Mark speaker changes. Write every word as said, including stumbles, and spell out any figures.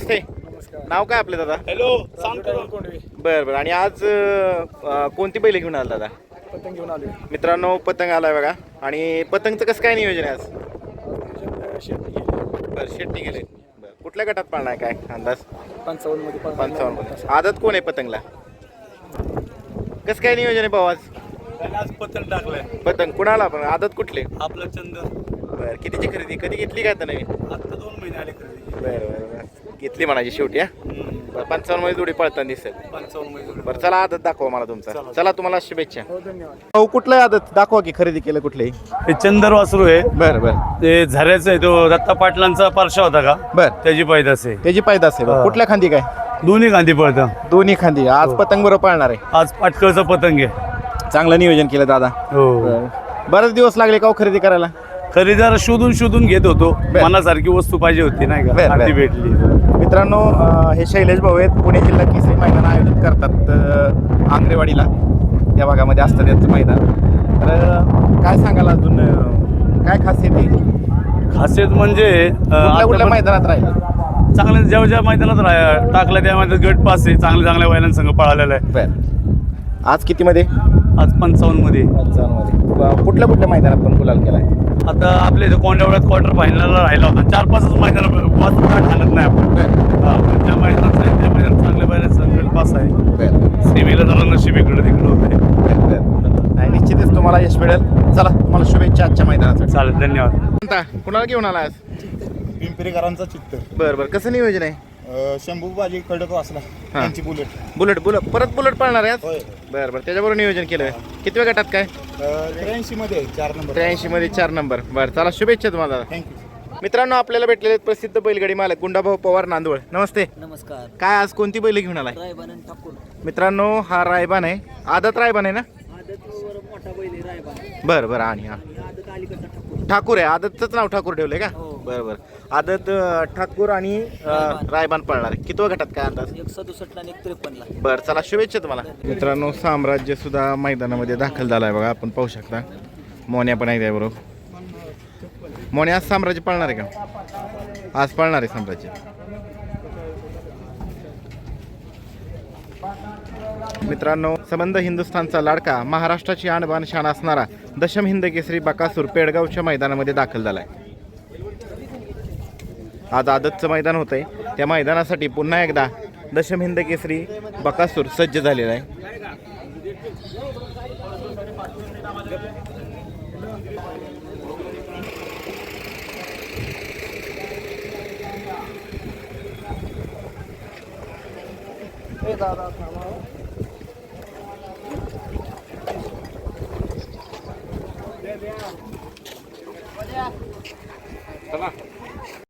Speaker 1: नमस्ते.
Speaker 2: नमस्कार.
Speaker 1: नाव काय आपलं दादा?
Speaker 3: हॅलो
Speaker 2: कोंडवे
Speaker 1: बरं बरं. आणि आज अं, कोणती बैल घेऊन आला दादा?
Speaker 2: पतंग घेऊन आलोय.
Speaker 1: मित्रांनो पतंग आलाय बघा. आणि पतंगचं कसं काय नियोजन आहे आज?
Speaker 2: आज शेती गेली
Speaker 1: बरं शेट्टी गेले. बरं कुठल्या गटात पाळणार काय अंदाज?
Speaker 2: पंचावन्न मध्ये
Speaker 1: पंचावन्न मध्ये. आदत कोण आहे पतंगला? कसं काय नियोजन आहे भाऊ आज?
Speaker 3: आज पतंग टाकलाय
Speaker 1: पतंग कुणाला पण आदत कुठले?
Speaker 3: आपलं चंदन.
Speaker 1: बरं कितीची खरेदी कधी घेतली काय आता नवीन?
Speaker 3: आता दोन महिने आले खरेदी.
Speaker 1: बरं बरं बरं घेतली म्हणायची शेवटी हा. बरं पंचावन्न मध्ये जोडी पळताना दिसेल.
Speaker 3: पंचावन्न महिने.
Speaker 1: बरं चला आदत दाखवा मला तुमचा. चला तुम्हाला शुभेच्छा.
Speaker 2: हो धन्यवाद.
Speaker 1: भाऊ कुठलं आदत दाखवा की खरेदी केलं कुठलंही.
Speaker 3: हे चंदर वासरू आहे.
Speaker 1: बरं बरं
Speaker 3: ते झऱ्याचं आहे. तो दत्ता पाटलांचा पारशा होता का,
Speaker 1: बरं
Speaker 3: त्याची पैदास आहे.
Speaker 1: त्याची पायदास आहे. बरं.
Speaker 3: हा.
Speaker 1: कुठल्या खांदी काय?
Speaker 3: दोन्ही गांधी पळतं.
Speaker 1: दोन्ही खांदी. आज पतंग बरोबर पाळणार आहे.
Speaker 3: आज पाटकळचं पतंग आहे.
Speaker 1: चांगलं नियोजन केलं दादा.
Speaker 3: हो.
Speaker 1: बरं. बरेच दिवस लागले का हो खरेदी करायला?
Speaker 3: खरेदीदार शोधून शोधून घेत होतो. मनासारखी वस्तू पाहिजे होती नाही
Speaker 1: बरं,
Speaker 3: का,
Speaker 1: बरं.
Speaker 3: ती भेटली.
Speaker 1: मित्रांनो अं, हे शैलेश भाऊ आहेत. पुणे जिल्हा केसरी मैदान आयोजित करतात अं, आंग्रेवाडीला. त्या भागामध्ये असतं त्यांचं मैदान. तर अं, काय सांगाल अजून अं, काय खासियत आहे?
Speaker 3: खासियत म्हणजे अं,
Speaker 1: कुठल्या कुठल्या
Speaker 3: आता
Speaker 1: मैदानात राहील?
Speaker 3: पण चांगल्या ज्या ज्या मैदानात राह- टाकलं त्या मैदानात गट पास आहे. चांगल्या चांगल्या बैलांसंग पळालेला आहे.
Speaker 1: बरं. आज कितीमध्ये?
Speaker 3: आज पंचावन्न मध्ये.
Speaker 1: पंचावन्नमध्ये. ब- कुठल्या कुठल्या मैदानात पण गुलाल केलाय?
Speaker 3: आता आपल्या इथे कोंडावळ्यात क्वार्टर फायनलला राहिला होता. चार पाचच मैदान वाचून काढ घालत नाही आपण. हा, पण त्या मैदानात आहे, त्या मैदानात चांगल्या बैलांचा गट पास आहे.
Speaker 1: बरं
Speaker 3: सेमीला जरा नशीब इकडे तिकडे होते.
Speaker 1: बरं बरं. नाही निश्चितच तुम्हाला यश मिळेल. चला तुम्हाला शुभेच्छा आजच्या मैदानासाठी.
Speaker 3: चालेल, धन्यवाद.
Speaker 1: कोणता कुणाला घेऊन आला आज?
Speaker 4: पिंपरीकरांचा चित्त
Speaker 1: बरं बरं. कसं नियोजन आहे?
Speaker 4: अ, शंभू बाजी खडक वाचला त्यांची बुलेट
Speaker 1: बुलेट बुलेट परत बुलेट पाळणार आहे आज?
Speaker 4: होय
Speaker 1: बरं बरं. त्याच्याबरोबर नियोजन केलं. कितव्या गटात काय?
Speaker 4: त्र्याऐंशी मध्ये आहे, चार नंबर
Speaker 1: त्र्याऐंशी मध्ये चार नंबर. बरं चला शुभेच्छा तुम्हाला.
Speaker 4: थँक्यू.
Speaker 1: मित्रांनो आपल्याला भेटलेले आहेत प्रसिद्ध बैलगाडी मालक गुंडाभाऊ पवार नांदवळ. नमस्ते.
Speaker 5: नमस्कार.
Speaker 1: काय आज कोणती बैल घेऊन आलाय?
Speaker 5: रायबान आणि ठाकूर.
Speaker 1: मित्रांनो हा रायबान आहे. आदत रायबान आहे ना?
Speaker 5: आदतवर मोठा बैल आहे रायबान.
Speaker 1: बरं बरं. आणि हा
Speaker 5: आणि आदत अलीकडचा ठाकूर.
Speaker 1: ठाकूर आहे. आदतचंच नाव ठाकूर ठेवलंय का?
Speaker 5: हो.
Speaker 1: बरं बरं. आदत अं, ठाकूर आणि अं,
Speaker 5: रायबान.
Speaker 1: रायबान पळणार आहे. कितव्या गटात काय अंदाज?
Speaker 5: एक सदुसष्टला आणि एक त्रेपन्नला.
Speaker 1: बरं चला शुभेच्छा तुम्हाला. मित्रांनो साम्राज्य सुद्धा मैदानामध्ये दाखल झाला आहे बघा. आपण पाहू शकता. मोन्या पण आहे त्याबरोबर. मोन्या आज साम्राज्य पाळणार आहे का? आज पाळणार आहे साम्राज्य. मित्रांनो संबंध हिंदुस्थानचा लाडका महाराष्ट्राची आणबाण शान असणारा दशम हिंद केसरी बकासूर पेडगावच्या मैदानामध्ये दाखल झाला आहे. आज आदतचं मैदान होतंय. त्या मैदानासाठी पुन्हा एकदा दशम हिंद केसरी बकासूर सज्ज झालेला आहे.
Speaker 2: ए दादा थांबा.